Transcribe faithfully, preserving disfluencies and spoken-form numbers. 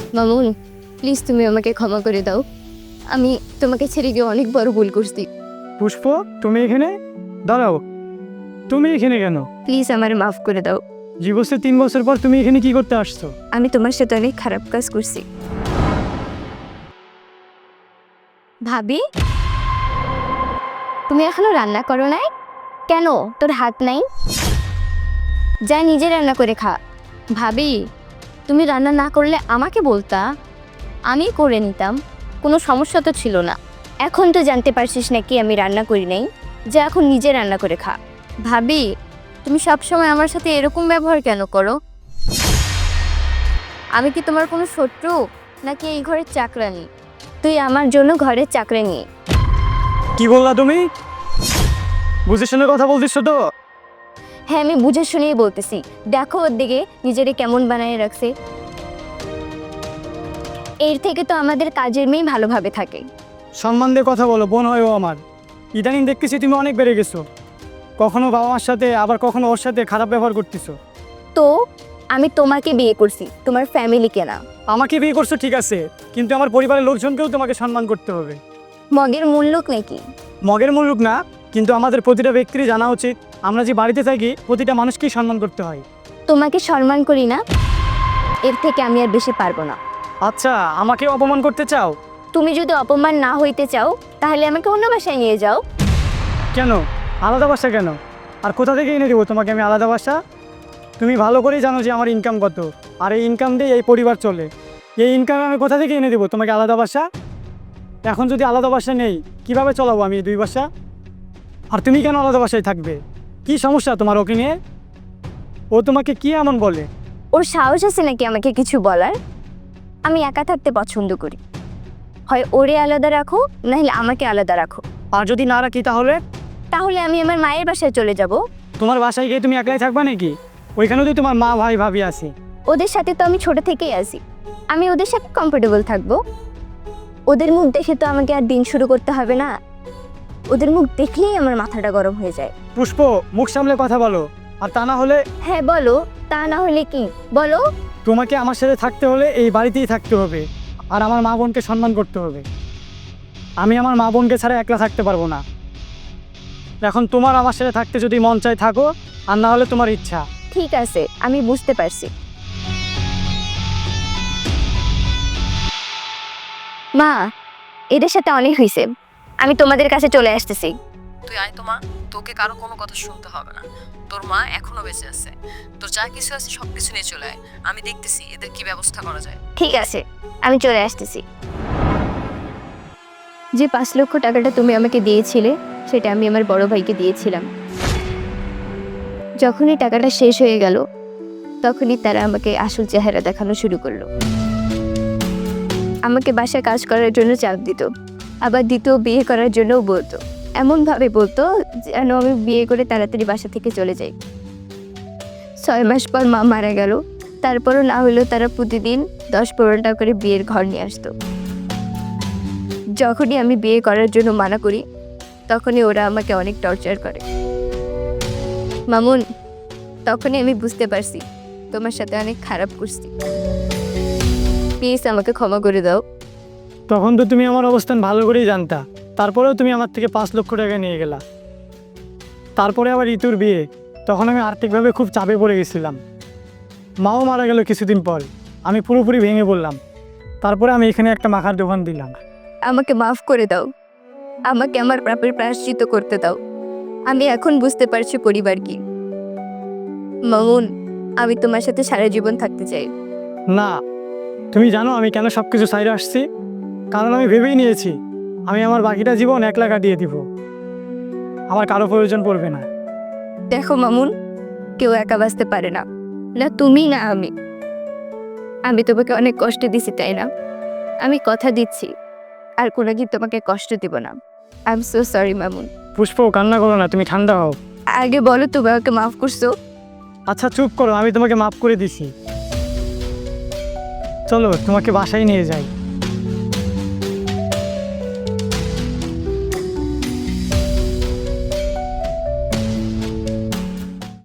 Mamun, please তুমি আমাকে ক্ষমা করে দাও। আমি তোমাকে ছেড়ে গিয়ে অনেক বড় ভুল করছি। পুষ্প, তুমি এখানে দাঁড়াও। তুমি এখানে কেন? প্লিজ আমার মাফ করে দাও। জীবসে তিন বছর পর তুমি এখানে কি করতে আসছো? আমি তোমার সাথে অনেক খারাপ কাজ করছি। ভাবি, তুমি এখনো রান্না করো নাই কেন? তোর হাত নাই? যা নিজে রান্না করে খা। ভাবি, তুমি রান্না না করলে আমাকে বলতা, আমি করে নিতাম, কোনো সমস্যা তো ছিল না। এখন তো জানতে পারছিস নাকি আমি রান্না করি নাই, যা এখন নিজে রান্না করে খা। ভাবি, তুমি সবসময় আমার সাথে এরকম ব্যবহার কেন করো? আমি কি তোমার কোনো শত্রু নাকি এই ঘরের চাকরানি? তুই আমার জন্য ঘরের চাকরানি। কি বললা তুমি? বুঝে শুনে কথা বলতেছো তো? হ্যাঁ, আমি বুঝে শুনেই বলতেছি। দেখো ওর দিকে নিজেরে কেমন বানিয়ে রাখছে। এর থেকে তো আমাদের কাজের মেয়ে ভালোভাবে থাকে। সম্মান দিয়ে কথা বলো, বোন হয় ও আমার। ইদানিং দেখতেছি তুমি অনেক বেড়ে গেছো। কখনো বাবা মার সাথে, আবার কখনো ওর সাথে খারাপ ব্যবহার করতেছো। তো আমি তোমাকে বিয়ে করছি, তোমার ফ্যামিলিকে না। আমাকে বিয়ে করছো ঠিক আছে, কিন্তু আমার পরিবারের লোকজনকেও তোমাকে সম্মান করতে হবে। মগের মূল্য নাকি? মগের মুলুক না, কিন্তু আমাদের প্রতিটা ব্যক্তিরই জানা উচিত আমরা যে বাড়িতে থাকি প্রতিটা মানুষকেই সম্মান করতে হয়। তোমাকে সম্মান করি না, এর থেকে আমি আর বেশি পারবো না। আচ্ছা, আমাকে অপমান করতে চাও? তুমি যদি অপমান না হইতে চাও তাহলে আমাকে অন্য বাসায় নিয়ে যাও। কেন আলাদা বাসা কেন? আর কোথা থেকে এনে দেবো তোমাকে আমি আলাদা বাসা? তুমি ভালো করেই জানো যে আমার ইনকাম কত, আর এই ইনকাম দিয়ে এই পরিবার চলে। এই ইনকাম আমি কোথা থেকে এনে দেবো তোমাকে আলাদা বাসা? এখন যদি আলাদা বাসা নেই, কিভাবে চলাবো আমি এই দুই বাসা? আর তুমি কেন আলাদা বাসায় থাকবে? কি সমস্যা তোমার ওকে নিয়ে? ও তোমাকে কি এমন বলে? ওর সাহস আছে নাকি আমাকে কিছু বলার? আমি একা থাকতে পছন্দ করি। হয় ওরে আলাদা রাখো, নাহলে আমাকে আলাদা রাখো। আর যদি না রাখি তাহলে? তাহলে আমি আমার মায়ের বাসায় চলে যাব। তোমার বাসায় গিয়ে তুমি একলাই থাকবা নাকি? ওইখানেও তো তোমার মা ভাই ভাবি আছে। ওদের সাথে তো আমি ছোট থেকেই আছি, আমি ওদের সাথে কমফোর্টেবল থাকবো। ওদের মুখ দেখে তো আমাকে আর দিন শুরু করতে হবে না। ওদের মুখ দেখলেই আমার মাথাটা গরম হয়ে যায়। পুষ্প, মুখ সামলে কথা বলো, আর তা না হলে? হ্যাঁ বলো, তা না হলে কি বলো? তোমাকে আমার সাথে থাকতে হলে এই বাড়িতেই থাকতে হবে, আর আমার মা বোনকে সম্মান করতে হবে। আমি আমার মা বোনকে ছাড়া একলা থাকতে পারবো না। এখন তোমার আমার সাথে থাকতে যদি মন চায় থাকো, আর না হলে তোমার ইচ্ছা। ঠিক আছে, আমি বুঝতে পারছি। মা, এদের সাথে অনেক হয়েছে, আমি তোমাদের কাছে চলে আসতেছি। তুই আয় তো মা, তোকে কারো কোনো কথা শুনতে হবে না। তোর মা এখনো বেঁচে আছে, তোর যা কিছু আছে সব কিছু নিয়ে চলে আয়। আমি দেখতেছি এদের কি ব্যবস্থা করা যায়। ঠিক আছে, আমি চলে আসতেছি। যে পাঁচ লক্ষ টাকাটা তুমি আমাকে দিয়েছিলে, সেটা আমি আমার বড় ভাইকে দিয়েছিলাম। যখনই টাকাটা শেষ হয়ে গেল, তখনই তারা আমাকে আসল চেহারা দেখানো শুরু করলো। আমাকে বাসায় কাজ করার জন্য চাপ দিত, আবার দ্বিতীয় বিয়ে করার জন্যও বলতো। এমনভাবে বলতো যেন আমি বিয়ে করে তাড়াতাড়ি বাসা থেকে চলে যাই। ছয় মাস পর মা মারা গেল, তারপরও না হলেও তারা প্রতিদিন দশ পনেরো টাকা করে বিয়ের ঘর নিয়ে আসতো। যখনই আমি বিয়ে করার জন্য মানা করি, তখনই ওরা আমাকে অনেক টর্চার করে। মামুন, তখনই আমি বুঝতে পারছি তোমার সাথে অনেক খারাপ করছি। প্লিজ আমাকে ক্ষমা করে দাও। তখন তো তুমি আমার অবস্থান ভালো করেই জানতা, তারপরেও তুমি আমার থেকে পাঁচ লক্ষ টাকা নিয়ে গেলা। তারপরে আবার ঋতুর বিয়ে, তখন আমি আর্থিকভাবে খুব চাপে পড়ে গেছিলাম। মাও মারা গেল কিছুদিন পর, আমি পুরোপুরি ভেঙে পড়লাম। তারপরে আমি এখানে একটা মাখার দোকান দিলাম। আমাকে মাফ করে দাও, আমাকে আমার পাপের প্রায়শ্চিত্ত করতে দাও। আমি এখন বুঝতে পারছি পরিবার কি। মামুন, আমি তোমার সাথে সারা জীবন থাকতে চাই। না, তুমি জানো আমি কেন সব কিছু সাইডে আসছি? কারণ আমি ভেবেই নিয়েছি আমি আমার বাকিটা জীবন একলা কাটিয়ে দিব, আমার কারো প্রয়োজন পড়বে না। দেখো মামুন, কেউ একা বাঁচতে পারে না, না তুমি না আমি। আমি তোমাকে অনেক কষ্ট দিছি, তাই না? আমি কথা দিচ্ছি আর কোনোদিন তোমাকে কষ্ট দিব না। I am so sorry Mamun. Pushpa, কান্না করো না, তুমি ঠান্ডা হও। আগে বলো তুমি আমাকে মাফ করছো? আচ্ছা চুপ করো, আমি তোমাকে মাফ করে দিছি। চলো তোমাকে বাসায় নিয়ে যাই।